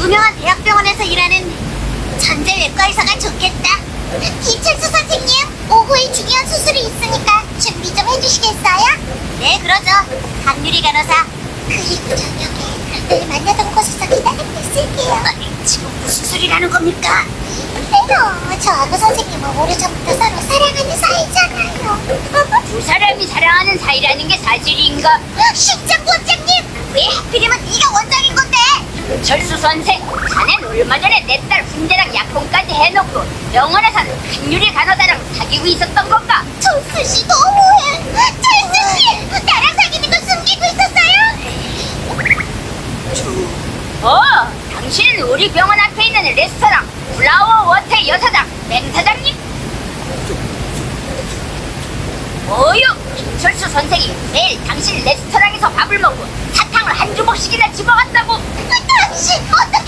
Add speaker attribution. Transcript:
Speaker 1: 유명한 대학병원에서 일하는 전재 외과 의사가 좋겠다. 김철수 선생님, 오후에 중요한 수술이 있으니까 준비 좀 해주시겠어요? 네, 그러죠. 강유리 간호사. 그리고 저녁에 늘 만나던 곳에서 기다리고 있을게요. 지금 무슨 소리라는 겁니까? 그래요. 저하고 선생님은 오래전부터 서로 사랑하는 사이잖아요.
Speaker 2: 두 사람이 사랑하는 사이라는 게 사실인가?
Speaker 1: 심장 원장님! 왜 하필이면 네가 원장인 건데?
Speaker 2: 철수 선생, 자넨 얼마 전에 내 딸 훈제랑 약혼까지 해놓고 병원에서는 강유리 간호사랑 사귀고 있었던 건가?
Speaker 1: 철수씨 너무해! 철수씨! 나랑 사귀는 거 숨기고 있었어요?
Speaker 2: 당신은 우리 병원 앞에 있는 레스토랑 플라워 워터 여사장 맹사장님? 뭐요? 김철수 선생이 매일 당신 레스토랑에서 밥을 먹고 사탕을 한 주먹씩이나 집어갔다고?
Speaker 1: 당신 어떻게